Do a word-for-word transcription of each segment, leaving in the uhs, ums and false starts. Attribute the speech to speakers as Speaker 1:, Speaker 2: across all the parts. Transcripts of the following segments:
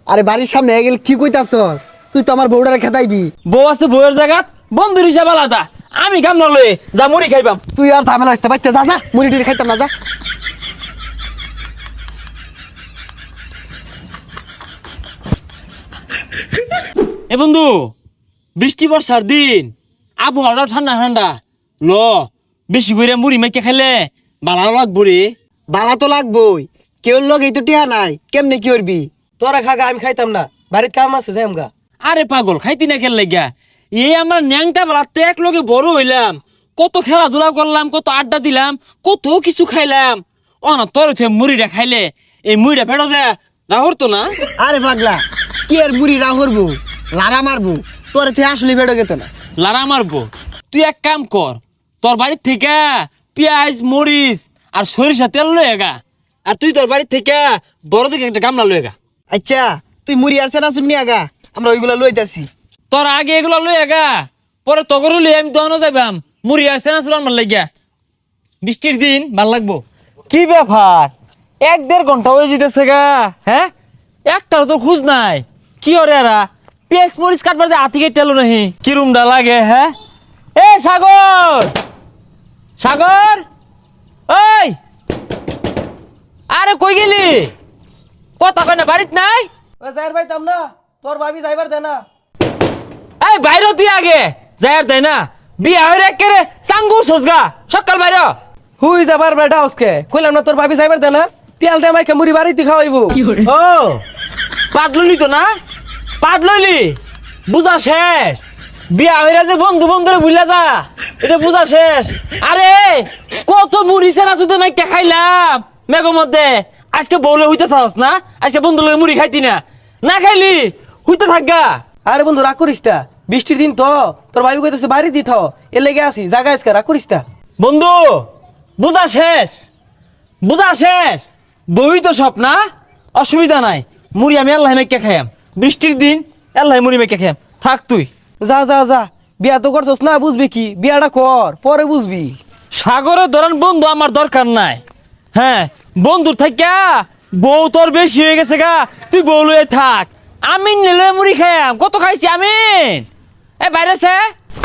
Speaker 1: আরে বাড়ির সামনে গেল কি কইতাছস? তুই তো আমার বউডারে খেতাইবি।
Speaker 2: বউ আছে বউয়ের জায়গাত বন্ধুর হিসাব আলাদা। আমি কাম না লয়ে যা মুড়ি খাইবাম।
Speaker 1: তুই আর ঝামেলা আসতে পারতে যা যা মুড়ি টুড়ি খাইতাম না যা।
Speaker 2: এ বন্ধু, বৃষ্টি বর্ষার দিন, আবহাওয়াটা ঠান্ডা ঠান্ডা, ল বেশি করে মুড়ি মাইকে খাইলে ভালো লাগবো রে।
Speaker 1: বালা তো লাগবই, কেউ লোক এই তো টিহা নাই, কেমনে কি করবি?
Speaker 3: তোরা খাগা, আমি খাইতাম না, বাড়ির কাম আছে যাই আমগা।
Speaker 2: আরে পাগল, খাইতি না খেল লাগিয়া? এই আমরা ন্যাংটা বেলাতে এক লগে বড় হইলাম, কত খেলাধুলা করলাম, কত আড্ডা দিলাম, কত কিছু খাইলাম। ও না তোর মুড়িটা খাইলে এই মুড়িটা ফেটো যায় রাহর তো না।
Speaker 1: আরে পাগলা, কি আর মুড়ি রা করবো, লারা মারবো, তোর তুই আসলে বেড়ো গেত না।
Speaker 2: লারা মারবো? তুই এক কাম কর, তোর বাড়ির থেকে পেঁয়াজ মরিচ আর সরিষা তেল লয়ে গা, আর তুই তোর বাড়ির থেকে বড় থেকে একটা গামলা লয়ে গা।
Speaker 1: আচ্ছা তুই মুড়ি আসছে না শুনি আগা, আমরা ওইগুলা লইতাছি।
Speaker 2: তোর আগে এগুলো লয়ে গা, পরে তগরু লই আমি দহনো যাইবাম। মুড়ি আসছে না চুলার মার লাগিয়া, বৃষ্টির দিন ভাল লাগবো। কি ব্যাপার, এক দেড় ঘন্টা হয়ে যেতেছে গা, হ্যাঁ একটাও তো খুঁজ নাই। কি ওরে এরা পেঁয়াজ মরিচ কাটবার যে হাতি কেটে এলো নাহি, কিরুমটা লাগে। হ্যাঁ এ সাগর, সাগর ওই, আরে কই গেলি? কথা কয় না, বাড়িত নাই?
Speaker 3: ও যাইর পাইতাম না, তোর ভাবি যাইবার দে না।
Speaker 2: এই বাইরে তুই আগে যাই আর দেয় না, বিয়া হয়ে একেবারে চাঙ্গু সজগা সকাল বাইরে।
Speaker 3: হুই যাবার বেটা আজকে কইলাম না, তোর ভাবি যাইবার দে না, তেল দে মাইকে মুড়ি বাড়িতে খাওয়াইবো।
Speaker 2: ও পাটললি তো না, পাটললি বুঝা শেষ। বিয়া হইরা যে বন্ধু বন্ধুরে ভুলা যা, এটা বুঝা শেষ। আরে কত মুড়ি সেনা শুধু মাইকে খাইলাম মেঘের মধ্যে, আজকে বউলে হইতে থাকস না, আজকে বন্ধু লগে মুড়ি খাইতি না, না খাইলি হইতে থাকগা।
Speaker 3: আরে বন্ধু রাগ করিস তা, বৃষ্টির দিন তো, তোর ভাবি কইতেছে বাড়ি দি থাও, এর লেগে আসি জাগা আজকে, রাগ করিস তা।
Speaker 2: বন্ধু বুঝা শেষ, বুঝা শেষ, বই তো সব না, অসুবিধা নাই। মুড়ি আমি আল্লাহ মেকে খাইয়াম, বৃষ্টির দিন আল্লাহ মুড়ি মেকে খাইয়াম, থাক তুই।
Speaker 3: যা যা যা, বিয়া তো করছস না, বুঝবি কি, বিয়াটা কর পরে বুঝবি।
Speaker 2: সাগরের ধরেন বন্ধু আমার দরকার নাই। হ্যাঁ বন্ধুর থাকা বউ তোর বেশি হয়ে গেছে গা, তুই বউ লয়ে থাক, আমি নিলে মুড়ি খাইয়াম। কত খাইছি আমি, এ বাইরে সে।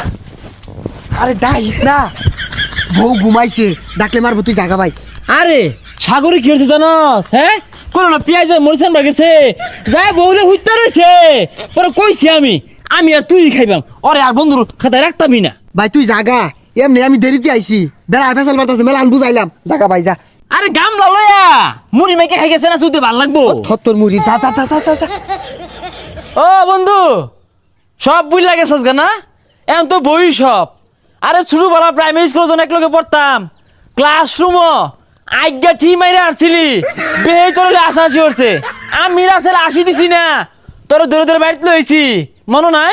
Speaker 1: আরে ডাইস না, বউ ঘুমাইছে, ডাকলে মারবো, তুই জাগা ভাই।
Speaker 2: আরে সাগরে কি হয়েছে জানস? হ্যাঁ কোনো না পেঁয়াজ মরিচান গেছে, যাই বউলে হুইতে রয়েছে, পরে কইছি আমি আমি আর তুই খাইবাম, ওরে আর বন্ধুর খাতায় রাখতামই না।
Speaker 1: ভাই তুই জাগা, এমনি আমি দেরিতে আইছি, বেড়া ফেসাল মারতাছে, মেলা আমি বুঝাইলাম, জাগা ভাই যা।
Speaker 2: আরে গামলা লয়া মুড়ি মেকে খাই গেছে না, শুধু ভাল লাগবো।
Speaker 1: থত্তর মুড়ি, যা যা যা যা যা।
Speaker 2: ও বন্ধু সব বুঝ লাগে সস গা না, এখন তো বই সব। আরে ছোটবেলা প্রাইমারি স্কুল যখন এক লগে পড়তাম, ক্লাসরুম আজ্ঞা ঠিক মাইরে আসছিলি, বেহে তোর আসা আসি করছে, আমি রাসেল আসি দিছি না, তোর দূরে দূরে বাড়িতে লইছি, মনে নাই?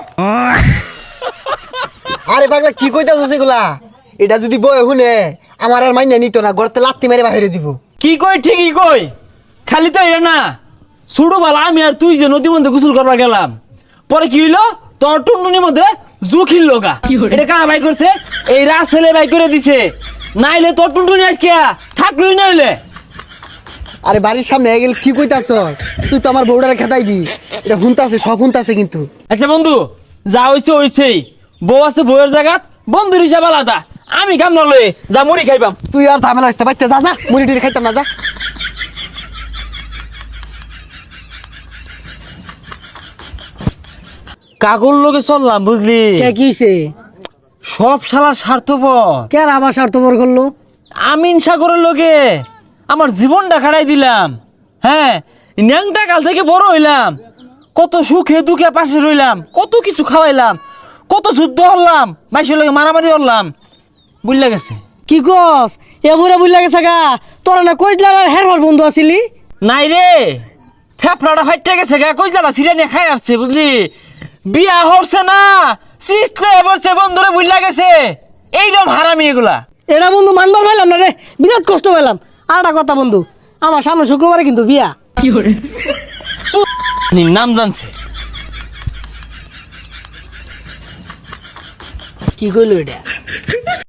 Speaker 1: আরে পাগলা কি কইতাছস এগুলা? এটা যদি বই শুনে আমার আর মাইনা নিত না, গড়তে লাত্তি মেরে বাহিরে দিব।
Speaker 2: কি কই ঠিকই কই, খালি তো এটা না, ছোটবেলা আমি আর তুই যে নদীর মধ্যে গোসল করবার গেলাম, পরে কি হইলো, তোর টুনটুনির মধ্যে জুখিল লগা। এটা কারা বাই করছে? এই রাসেলে বাই করে দিছে, নাইলে তোর টুনটুনি আজকে থাকলই নাইলে।
Speaker 1: আরে বাড়ির সামনে গেল কি কইতাছস? তুই তো আমার বউডারে খেতাইবি, এটা হুনতাছে, সব হুনতাছে কিন্তু।
Speaker 2: আচ্ছা বন্ধু যা হইছে হইছেই, বউ আছে বউয়ের জায়গাত বন্ধুর হিসাব আলাদা, আমি কাম না লয়ে যা মুড়ি খাইবাম।
Speaker 1: তুই আর ঝামেলা আসতে পারতে যা যা মুড়ি টুড়ি খাইতাম না যা।
Speaker 2: কাগর লগে চললাম বুঝলি,
Speaker 3: কে কিছে
Speaker 2: সব শালা স্বার্থপর।
Speaker 3: কে আবার স্বার্থপর করলো?
Speaker 2: আমিন সাগরের লগে আমার জীবনটা খাড়াই দিলাম। হ্যাঁ ন্যাংটা কাল থেকে বড় হইলাম, কত সুখে দুঃখে পাশে রইলাম, কত কিছু খাওয়াইলাম, কত যুদ্ধ হলাম, মাইসের লগে মারামারি হলাম, বুঝলা গেছে।
Speaker 3: কি কস এমরে বুঝলা গেছে গা, তোরা না কইলা আর হেরবার বন্ধু আছিলি?
Speaker 2: নাই রে, ফেফড়াটা ফাইটে গেছে গা, কইলা সিরিয়া নিয়ে খাই আসছে বুঝলি, বিয়া হচ্ছে না সিস্টে বলছে বন্ধুরে বুঝলা গেছে। এইরকম হারামি এগুলা।
Speaker 3: এটা বন্ধু মানবার পাইলাম না রে, বিরাট কষ্ট পেলাম। আর একটা কথা বন্ধু, আমার সামনে শুক্রবারে কিন্তু বিয়া। কি করে
Speaker 2: নাম জানছে,
Speaker 3: কি কইলো এটা?